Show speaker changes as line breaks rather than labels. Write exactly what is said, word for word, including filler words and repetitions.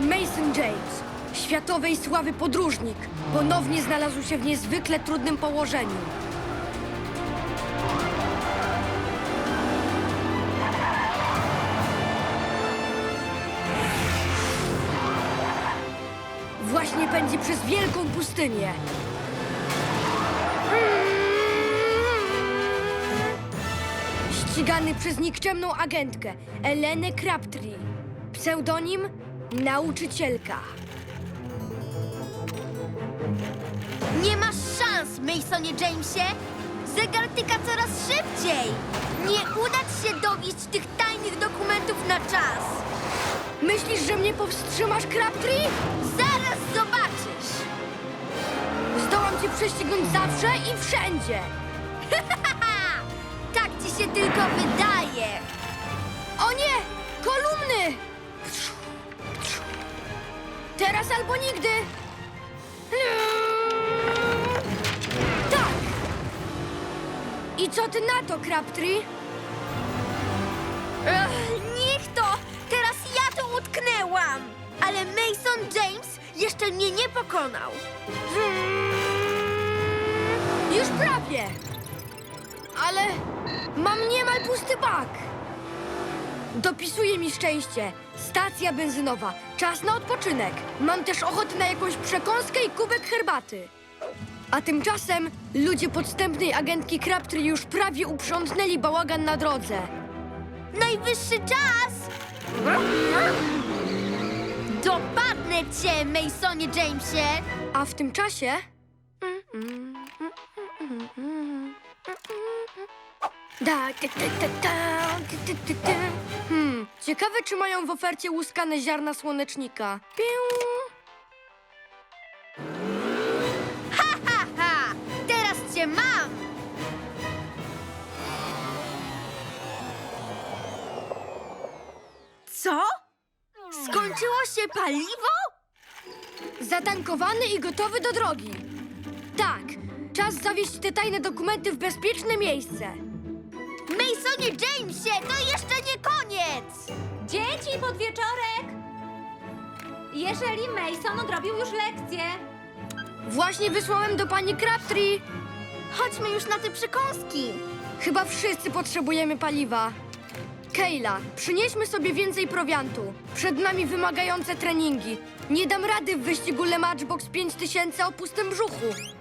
Mason James, światowej sławy podróżnik, ponownie znalazł się w niezwykle trudnym położeniu. Właśnie pędzi przez wielką pustynię. Ścigany przez nikczemną agentkę Elenę Crabtree. Pseudonim Nauczycielka.
Nie masz szans, Masonie Jamesie! Zegar tyka coraz szybciej! Nie uda ci się dowieść tych tajnych dokumentów na czas!
Myślisz, że mnie powstrzymasz, Crabtree?
Zaraz zobaczysz!
Zdołam cię prześcignąć zawsze i wszędzie.
Tak ci się tylko wydaje!
O nie! Kolumny! Teraz albo nigdy! Tak! I co ty na to, Crabtree?
Ech, niech to! Teraz ja tu utknęłam! Ale Mason James jeszcze mnie nie pokonał!
Już prawie! Ale mam niemal pusty bak. Dopisuje mi szczęście. Stacja benzynowa. Czas na odpoczynek. Mam też ochotę na jakąś przekąskę i kubek herbaty. A tymczasem ludzie podstępnej agentki Crabtree już prawie uprzątnęli bałagan na drodze.
Najwyższy czas! Dopadnę cię, Masonie Jamesie!
A w tym czasie... Da, da, da, da, da, da, da, da. Hmm, ciekawe, czy mają w ofercie łuskane ziarna słonecznika. Piu.
Ha, ha, ha! Teraz cię mam! Co? Skończyło się paliwo?
Zatankowany i gotowy do drogi. Tak, czas zawieźć te tajne dokumenty w bezpieczne miejsce.
Masonie Jamesie, to jeszcze nie koniec!
Dzieci, podwieczorek! Jeżeli Mason odrobił już lekcję.
Właśnie wysłałem do pani Crabtree.
Chodźmy już na te przekąski.
Chyba wszyscy potrzebujemy paliwa. Kayla, przynieśmy sobie więcej prowiantu. Przed nami wymagające treningi. Nie dam rady w wyścigu Le Matchbox pięć tysięcy o pustym brzuchu.